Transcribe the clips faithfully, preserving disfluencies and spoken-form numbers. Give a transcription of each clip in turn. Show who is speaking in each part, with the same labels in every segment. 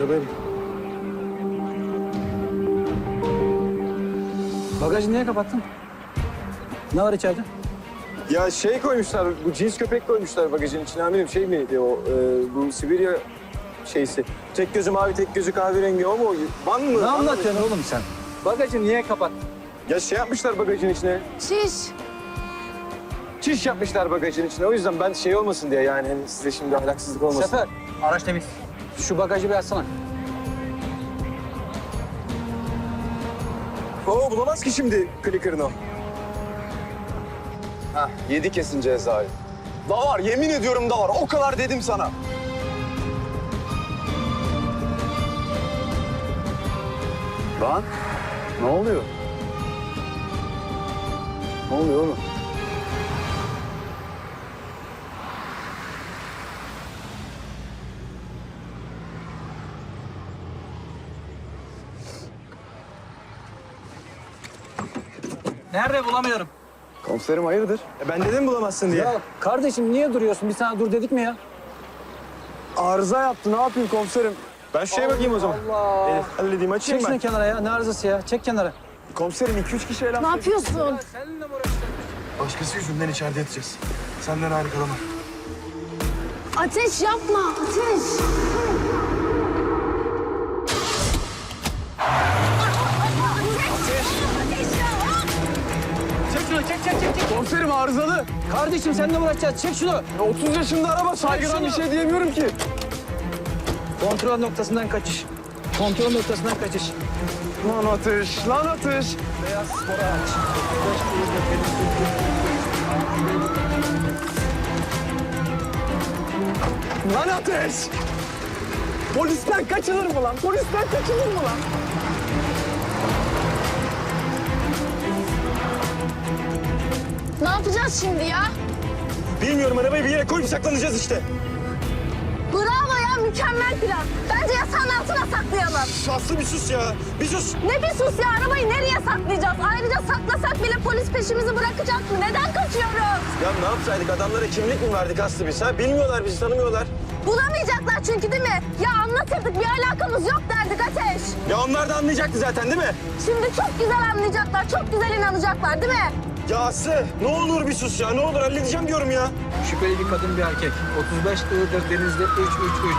Speaker 1: arabaya bin. Bagajı niye kapattın? Ne var içeride?
Speaker 2: Ya şey koymuşlar, bu cins köpek koymuşlar bagajın içine amirim. Şey miydi o, e, bu Sibirya şeysi. Tek gözü mavi, tek gözü kahverengi o mu? Van mı?
Speaker 1: Ne
Speaker 2: Van mı?
Speaker 1: anlatıyorsun oğlum sen? Bagajı niye kapattın?
Speaker 2: Ya şey yapmışlar bagajın içine.
Speaker 3: Çiş.
Speaker 2: Çiş yapmışlar bagajın içine. O yüzden ben şey olmasın diye yani hani size şimdi ahlaksızlık olmasın.
Speaker 1: Sefer, araç temiz. Şu bagajı bir açsana.
Speaker 2: Oo bulamaz ki şimdi clicker'ını o. Hah, yedi kesin cezayı. Da var, yemin ediyorum da var. O kadar dedim sana. Lan, ne oluyor? Ne oluyor oğlum?
Speaker 1: Nerede bulamıyorum.
Speaker 2: Komiserim hayırdır? E ben dedim bulamazsın diye.
Speaker 1: Ya kardeşim niye duruyorsun? Bir sana dur dedik mi ya?
Speaker 2: Arıza yaptı, ne yapayım komiserim? Ben şu şeye bakayım o zaman.
Speaker 1: Allah.
Speaker 2: Elif, halledeyim, açayım
Speaker 1: Çek şunu
Speaker 2: ben.
Speaker 1: kenara ya. Ne arızası ya? Çek kenara.
Speaker 2: Komiserim iki üç kişi eğlen.
Speaker 3: Ne yapıyorsun?
Speaker 1: Seninle mi uğraşacağım?
Speaker 4: Başkası yüzünden içeride yatacağız. Senden ayrı kalamam.
Speaker 3: Ateş yapma, ateş.
Speaker 1: Çek şunu, çek, çek, çek, çek.
Speaker 2: Komiserim arızalı.
Speaker 1: Kardeşim seninle mi uğraşacağız? Çek şunu.
Speaker 2: Ya otuz yaşında araba, saygıdan bir şey diyemiyorum ki.
Speaker 1: Kontrol noktasından kaçış. Kontrol noktasından kaçış.
Speaker 2: Lan atış, lan atış.
Speaker 1: Beyaz spor araç.
Speaker 2: Lan ateş. Polisten kaçılır mı lan? Polisten kaçılır mı lan?
Speaker 3: Ne yapacağız şimdi ya?
Speaker 2: Bilmiyorum, arabayı bir yere koyup saklanacağız işte.
Speaker 3: Bravo ya, mükemmel plan. Bence yasağın altına saklayalım.
Speaker 2: Aslı bir sus ya, bir sus.
Speaker 3: Ne bir sus ya, arabayı nereye saklayacağız? Ayrıca saklasak bile polis peşimizi bırakacak mı? Neden kaçıyoruz?
Speaker 2: Ya ne yapsaydık, adamlara kimlik mi verdik Aslı biz ha? Bilmiyorlar bizi, tanımıyorlar.
Speaker 3: Bulamayacaklar çünkü değil mi? Ya anlatırdık, bir alakamız yok derdik Ateş.
Speaker 2: Ya onlar da anlayacaktı zaten değil mi?
Speaker 3: Şimdi çok güzel anlayacaklar, çok güzel inanacaklar değil mi?
Speaker 2: Ya Aslı, ne olur bir sus ya, ne olur halledeceğim diyorum ya.
Speaker 1: Şüpheli bir kadın bir erkek. otuz beş Iğdır Denizli üç üç üç.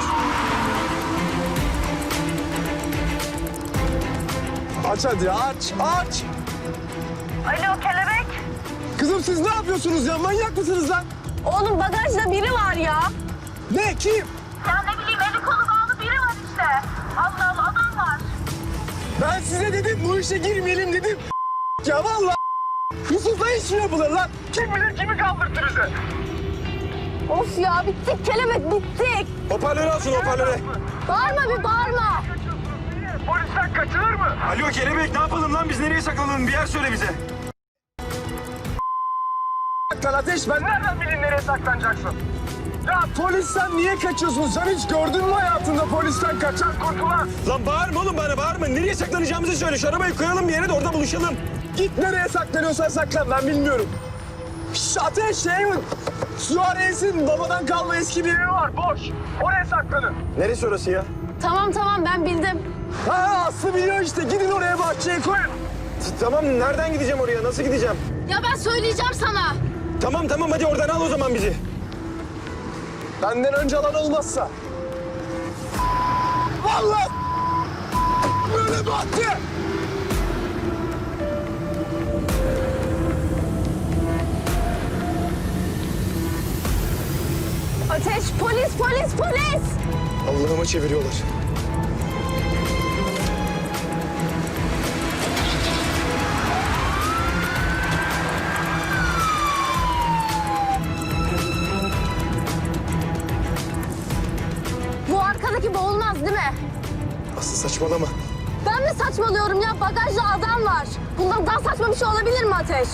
Speaker 2: Aç hadi, aç, aç.
Speaker 3: Alo kelebek.
Speaker 2: Kızım siz ne yapıyorsunuz ya, manyak mısınız lan?
Speaker 3: Oğlum bagajda biri var ya.
Speaker 2: Ne, kim?
Speaker 3: Ya ne bileyim eli kolu bağlı biri var işte. Allah Allah adam var.
Speaker 2: Ben size dedim, bu işe girmeyelim dedim. Ya vallahi Yusuf'la iş mi yapılır lan? Kim bilir kimi kaldırttı bize?
Speaker 3: Of ya bittik kelebek bittik.
Speaker 2: Hoparlörü alsın, hoparlörü.
Speaker 3: Bağırma bir bağırma.
Speaker 2: Polisten kaçılır mı? Alo kelebek, ne yapalım lan, biz nereye saklanalım, bir yer söyle bize. Lan Ateş, ben nereden bileyim nereye saklanacaksın? Ya polisten niye kaçıyorsun? Sen hiç gördün mü hayatında polisten kaçan kurtulan? Lan bağırma oğlum bana, bağırma. Nereye saklanacağımızı söyle. Şu arabayı koyalım bir yere de orada buluşalım. Git nereye saklanıyorsan saklan, ben bilmiyorum. Şş, Ateş şey mi? Suarez'in babadan kalma eski bir evi var, boş. Oraya saklanın. Neresi orası ya?
Speaker 3: Tamam tamam ben bildim.
Speaker 2: Ha Aslı biliyor işte, gidin oraya bahçeye koyun. Tamam, nereden gideceğim oraya, nasıl gideceğim?
Speaker 3: Ya ben söyleyeceğim sana.
Speaker 2: Tamam tamam, hadi oradan al o zaman bizi. Benden önce alan olmazsa. Vallahi böyle battı.
Speaker 3: Ateş polis polis polis.
Speaker 2: Allah'ıma çeviriyorlar.
Speaker 3: Bu arkadaki boğulmaz değil mi?
Speaker 2: Aslı saçmalama.
Speaker 3: Ben mi saçmalıyorum ya? Bagajda adam var. Bundan daha saçma bir şey olabilir mi Ateş?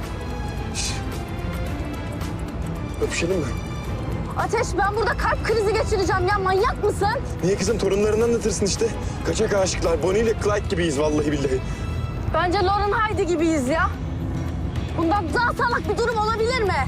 Speaker 2: Öpüşelim mi?
Speaker 3: Ateş ben burada kalp krizi geçireceğim ya. Manyak mısın?
Speaker 2: Niye kızım, torunlarını anlatırsın işte. Kaçak aşıklar, Bonnie ile Clyde gibiyiz vallahi billahi.
Speaker 3: Bence Lauren Haydi gibiyiz ya. Bundan daha salak bir durum olabilir mi?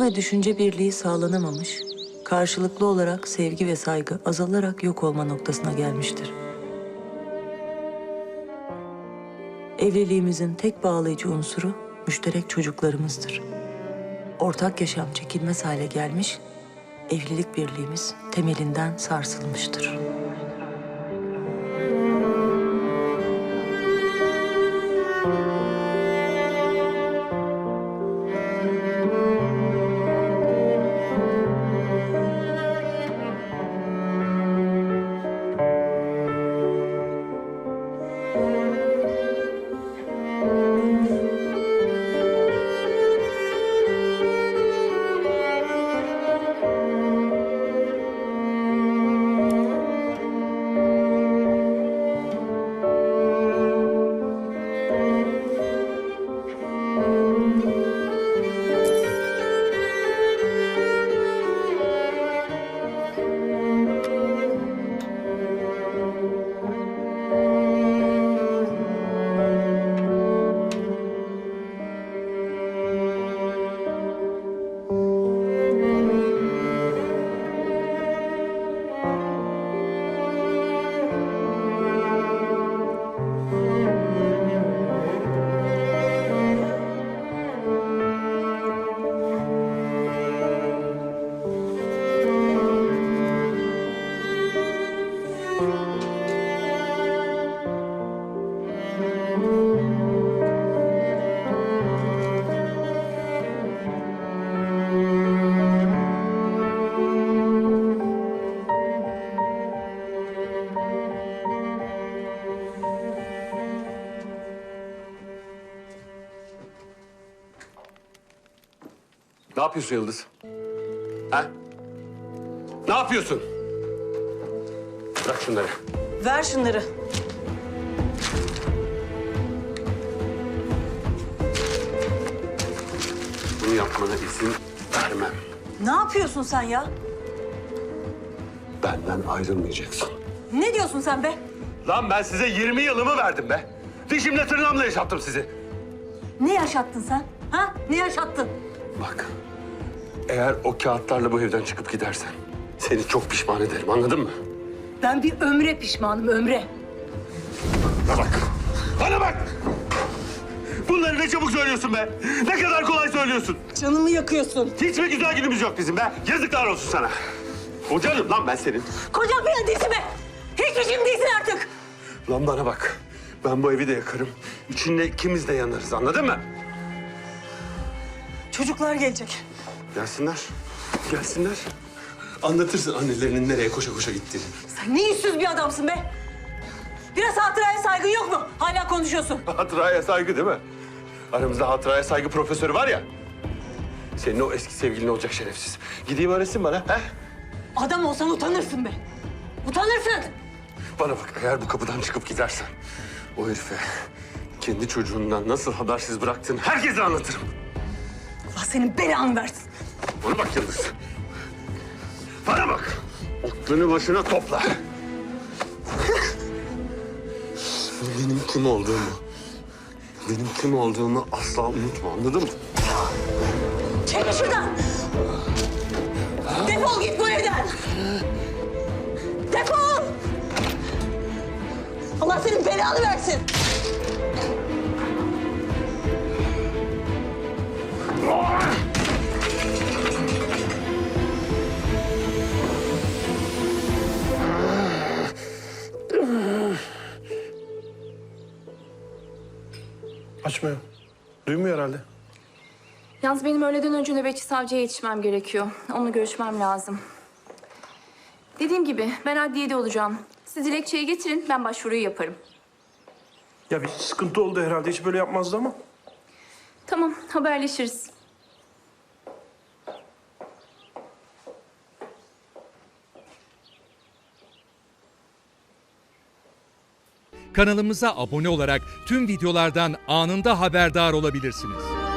Speaker 5: duygu ve düşünce birliği sağlanamamış, karşılıklı olarak sevgi ve saygı azalarak yok olma noktasına gelmiştir. Evliliğimizin tek bağlayıcı unsuru müşterek çocuklarımızdır. Ortak yaşam çekilmez hale gelmiş, evlilik birliğimiz temelinden sarsılmıştır.
Speaker 6: Ne yapıyorsun Yıldız? Ha? Ne yapıyorsun? Bırak şunları.
Speaker 5: Ver şunları.
Speaker 6: Bunu yapmana izin vermem.
Speaker 5: Ne yapıyorsun sen ya?
Speaker 6: Benden ayrılmayacaksın.
Speaker 5: Ne diyorsun sen be?
Speaker 6: Lan ben size yirmi yılımı verdim be. Dişimle tırnağımla yaşattım sizi.
Speaker 5: Ne yaşattın sen? Ha? Ne yaşattın?
Speaker 6: Bak, eğer o kağıtlarla bu evden çıkıp gidersen seni çok pişman ederim, anladın mı?
Speaker 5: Ben bir ömre pişmanım, ömre.
Speaker 6: Bana bak, bana bak! Bunları ne çabuk söylüyorsun be! Ne kadar kolay söylüyorsun!
Speaker 5: Canımı yakıyorsun.
Speaker 6: Hiç mi güzel günümüz yok bizim be? Yazıklar olsun sana! Kocanım lan ben senin.
Speaker 5: Kocam falan değilsin be. Hiçbir şeyim değilsin artık.
Speaker 6: Lan bana bak, ben bu evi de yakarım. İçinde ikimiz de yanarız, anladın mı?
Speaker 5: Çocuklar gelecek.
Speaker 6: Gelsinler, gelsinler. Anlatırsın annelerinin nereye koşa koşa gittiğini.
Speaker 5: Sen ne yüzsüz bir adamsın be. Biraz hatıraya saygın yok mu? Hala konuşuyorsun.
Speaker 6: Hatıraya saygı değil mi? Aramızda hatıraya saygı profesörü var ya. Senin o eski sevgilin olacak şerefsiz. Gideyim öğretsin bana, he?
Speaker 5: Adam olsan utanırsın be. Utanırsın.
Speaker 6: Bana bak, eğer bu kapıdan çıkıp gidersen... ...o herife kendi çocuğundan nasıl habersiz bıraktığını herkese anlatırım.
Speaker 5: Allah senin belanı versin.
Speaker 6: Bana bak Yıldız. Bana bak. Aklını başına topla. Benim kim olduğumu, benim kim olduğumu asla unutma, anladın mı?
Speaker 5: Çekil şuradan. Defol git bu evden. Defol. Allah senin belanı versin.
Speaker 4: Açmıyor. Duymuyor herhalde.
Speaker 7: Yalnız benim öğleden önce nöbetçi savcıya yetişmem gerekiyor. Onunla görüşmem lazım. Dediğim gibi ben adliyede olacağım. Siz dilekçeyi getirin, ben başvuruyu yaparım.
Speaker 4: Ya bir sıkıntı oldu herhalde. Hiç böyle yapmazdı ama.
Speaker 7: Tamam, haberleşiriz.
Speaker 8: Kanalımıza abone olarak tüm videolardan anında haberdar olabilirsiniz.